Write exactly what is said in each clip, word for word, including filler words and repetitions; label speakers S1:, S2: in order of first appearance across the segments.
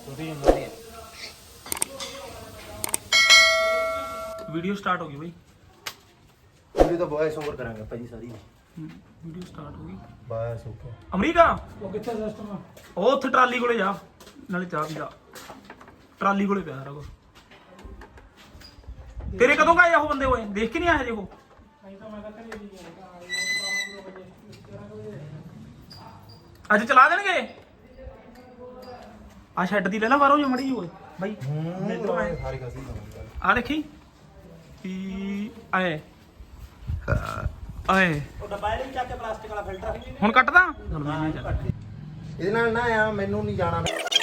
S1: Video start होगी भाई।
S2: Video तो वॉइस ओवर करांगे भाजी सारी।
S1: वीडियो स्टार्ट होगी
S2: बस ओके।
S1: अमरीका
S3: ਉਹ ਕਿੱਥੇ ਸਿਸਟਮ ਆ
S1: ਉਹ ਉੱਥੇ ਟਰਾਲੀ ਕੋਲੇ ਜਾ, ਨਾਲੇ ਚਾਹ ਪੀ ਜਾ। ਟਰਾਲੀ ਕੋਲੇ ਪਿਆ ਰਗੋ। ਤੇਰੇ ਕਦੋਂ ਗਏ ਉਹ ਬੰਦੇ ਹੋਏ? ਦੇਖ ਕੇ ਨਹੀਂ ਆਏ ਜੇ ਉਹ? ਅੱਜ ਚਲਾ ਦੇਣਗੇ। ਆ ਛੱਡ ਦੀ ਲੈ ਲਾ ਬਾਹਰੋਂ ਜੋ ਮੜੀ ਹੋਏ ਬਾਈ।
S2: ਸਾਰੀ ਖਾਸੀ
S1: ਆ ਦੇਖੀ ਕੀ ਆਏ ਆਏ
S3: ਉਹ ਡੱਬਾ ਨਹੀਂ ਚੱਕ ਕੇ ਪਲਾਸਟਿਕ ਵਾਲਾ ਫਿਲਟਰ
S1: ਹੁਣ ਕੱਟਦਾ।
S2: ਇਹਦੇ ਨਾਲ ਨਾ ਆ ਮੈਨੂੰ ਨਹੀਂ ਜਾਣਾ।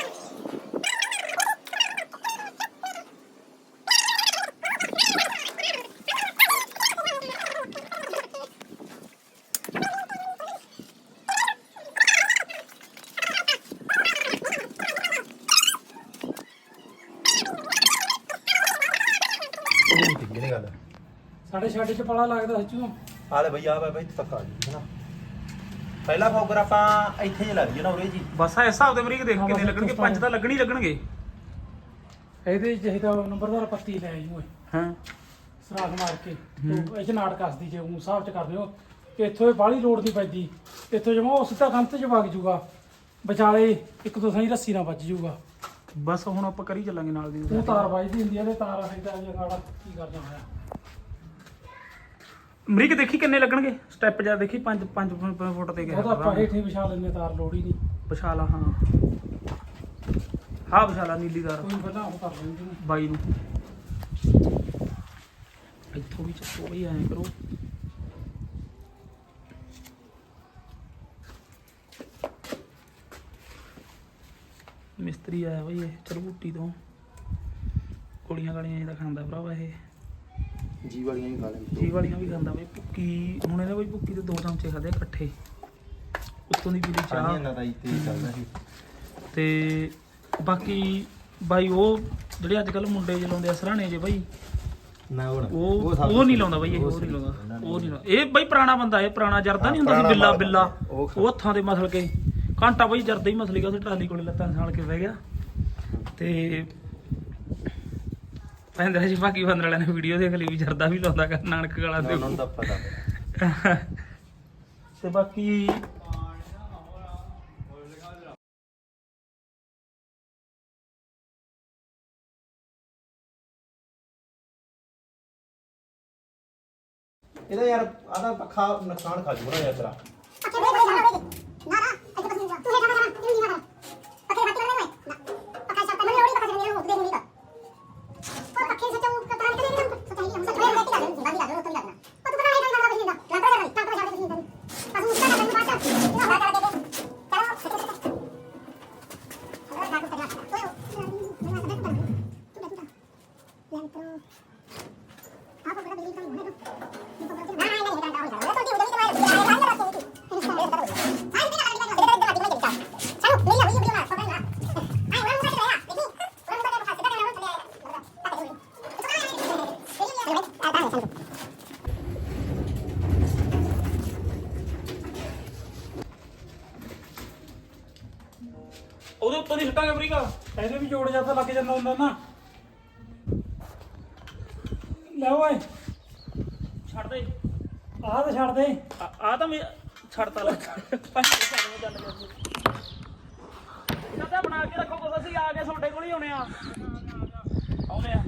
S2: ਕਿਹੜੀ ਗੱਲ
S3: ਸਾਡੇ ਛੱਡ ਚ ਪੜਾ ਲੱਗਦਾ ਸੱਚੂ।
S2: ਆ ਲੈ ਬਈ ਆ ਬਈ ਤੱਕ ਆ ਜੀ ਹੈਨਾ। ਪਹਿਲਾ ਫੋਕਰ ਆਪਾਂ ਇੱਥੇ ਜੇ ਲੱਗ ਜੀ ਨਾ ਉਰੇ ਜੀ।
S1: ਬਸ ਆ ਹਿਸਾਬ ਦੇ ਅਮਰੀਕ ਦੇਖ ਕਿੰਨੇ ਲੱਗਣਗੇ। ਪੰਜ ਤਾਂ ਲੱਗਣੀ ਲੱਗਣਗੇ।
S3: ਇਹਦੇ ਚਾਹੀਦਾ ਨੰਬਰਦਾਰ ਪੱਤੀ ਲੈ ਆਈ ਓਏ
S1: ਹਾਂ
S3: ਸਰਾਖ ਮਾਰ ਕੇ ਤੂੰ ਇਹ ਚ ਨਾੜ ਕੱਸਦੀ ਜੇ ਉਹ ਹਿਸਾਬ ਚ ਕਰਦੇ ਹੋ ਕਿ ਇੱਥੋਂ ਇਹ ਬਾਹਲੀ ਲੋੜ ਨਹੀਂ ਪੈਂਦੀ। ਇੱਥੋਂ ਜਮਾ ਉਹ ਸਿੱਧਾ ਕੰਧ ਚ ਵਗ ਜੂਗਾ ਵਿਚਾਲੇ ਇੱਕ ਦੋ ਸਹੀ ਰੱਸੀ ਨਾਲ ਵੱਜ ਜੂਗਾ।
S1: ਬਸ ਹੁਣ ਆਪਾਂ ਕਰੀ ਚੱਲਾਂਗੇ ਨਾਲ ਦੀ।
S3: ਤੂੰ ਤਾਰ ਵੱਜਦੀ ਹੁੰਦੀ ਆ ਤੇ ਤਾਰ ਹੈਗਾ ਜਗਾੜਾ ਕੀ ਕਰਦਾ ਹੋਇਆ।
S1: ਅਮਰੀਕ ਦੇਖੀ ਕਿੰਨੇ ਲੱਗਣਗੇ। ਸਟੈਪ ਜਾ ਦੇਖੀ ਪੰਜ ਪੰਜ ਫੁੱਟ ਤੇ ਗਿਆ।
S3: ਉਹਦਾ ਆਪਾਂ ਹੇਠੇ ਵਿਛਾ ਲੈਂਦੇ ਤਾਰ ਲੋੜ ਹੀ ਨਹੀਂ।
S1: ਵਿਸ਼ਾਲਾ ਹਾਂ ਹਾਂ ਵਿਸ਼ਾਲਾ ਨੀਲੀ ਤਾਰ
S3: ਕੋਈ ਪਹਿਲਾਂ ਉਹ ਕਰ ਲੈਂਦੇ ਨੇ
S1: ਬਾਈ ਨੂੰ। ਇੱਥੋਂ ਵੀ ਚੱਕੋ ਬਈ ਐਂ ਕਰੋ। ਮਿਸਤਰੀ ਆਇਆ ਬਈ ਇਹ ਚਰਬੂਟੀ ਤੋਂ। ਗੋਲੀਆਂ ਗਾਲੀਆਂ ਜਿਹਦਾ ਖਾਂਦਾ ਭਰਾਵਾ ਇਹ।
S2: ਜੀ ਵਾਲੀਆਂ ਹੀ ਖਾ ਲੈ।
S1: ਜੀ ਵਾਲੀਆਂ ਵੀ ਖਾਂਦਾ ਬਈ। ਭੁੱਕੀ ਹੁਣ ਇਹਨੇ ਬਈ ਭੁੱਕੀ ਦੇ ਦੋ ਚਮਚੇ ਖਾਦੇ ਇਕੱਠੇ। ਉੱਤੋਂ ਦੀ ਪੀਲੀ ਚਾਹ
S2: ਇਹਨਾਂ ਦਾ ਇੱਥੇ ਚੱਲਦਾ ਸੀ।
S1: ਤੇ ਬਾਕੀ ਬਾਈ ਉਹ ਜਿਹੜੇ ਅੱਜ ਕੱਲ ਮੁੰਡੇ ਚਲਾਉਂਦੇ ਆ ਸਰਾਣੇ ਜੇ ਬਾਈ
S2: ਨਾ ਹੁਣ
S1: ਉਹ ਉਹ ਨਹੀਂ ਲਾਉਂਦਾ ਬਾਈ ਇਹ। ਉਹ ਨਹੀਂ ਲਾਉਂਦਾ ਉਹ ਨਹੀਂ ਲਾਉਂਦਾ ਇਹ ਬਾਈ ਪੁਰਾਣਾ ਬੰਦਾ। ਇਹ ਪੁਰਾਣਾ ਜਰਦਾ ਨਹੀਂ ਹੁੰਦਾ ਸੀ ਬਿੱਲਾ ਬਿੱਲਾ। ਉਹ ਹੱਥਾਂ ਦੇ ਮਸਲ ਕੇ ਘੰਟਾ ਬਾਈ ਜਰਦਾ ਹੀ ਮਸਲ ਗਿਆ। ਉਹ ਟਰਾਲੀ ਕੋਲੇ ਲੱਤਾਂ ਸਾਲ ਕੇ ਬਹਿ ਗਿਆ। ਤੇ ਪੈਂਦਾ ਸੀ ਬਾਕੀ ਬੰਦਰ ਵਾਲਿਆਂ ਨੇ ਵੀਡੀਓ ਦੇਖ ਲਈ ਵੀ ਜਰਦਾ ਵੀ ਲਾਉਂਦਾ ਕਰ ਨਾਨਕ ਗਾਲਾਂ ਦੇ।
S2: ਉਹਨਾਂ ਦਾ ਪਤਾ
S1: ਤੇ ਬਾਕੀ
S2: ਇਹਦਾ ਯਾਰ ਆਦਾ ਪੱਖਾ ਨੁਕਸਾਨ ਖਾ ਜੂਗਾ ਯਾਰ ਤੇਰਾ।
S1: ਉਹਦੇ ਉੱਤੋਂ ਦੀ ਛੱਟਾਂਗੇ ਅਮਰੀਕਾ।
S3: ਇਹਦੇ ਵੀ ਜੋੜ ਜਾਂਦਾ ਲੱਗ ਜਾਂਦਾ ਹੁੰਦਾ ਨਾ। ਲੈ ਓਏ
S1: ਛੱਡ ਦੇ
S3: ਆਹ ਤੇ ਛੱਡ ਦੇ।
S1: ਆ ਤਾਂ ਮੈਂ ਛੱਡਤਾ ਲੱਗ ਤਾਂ ਬਣਾ ਕੇ ਰੱਖੋ ਕੁਛ। ਅਸੀਂ ਆ ਕੇ ਤੁਹਾਡੇ ਕੋਲ ਹੀ ਆਉਣੇ ਆ। ਆਉਣੇ ਆ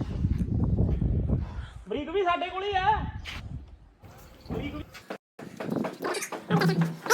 S1: ਬਰੀਕ ਵੀ ਸਾਡੇ ਕੋਲ ਹੀ ਆ। ਬਰੀਕ ਵੀ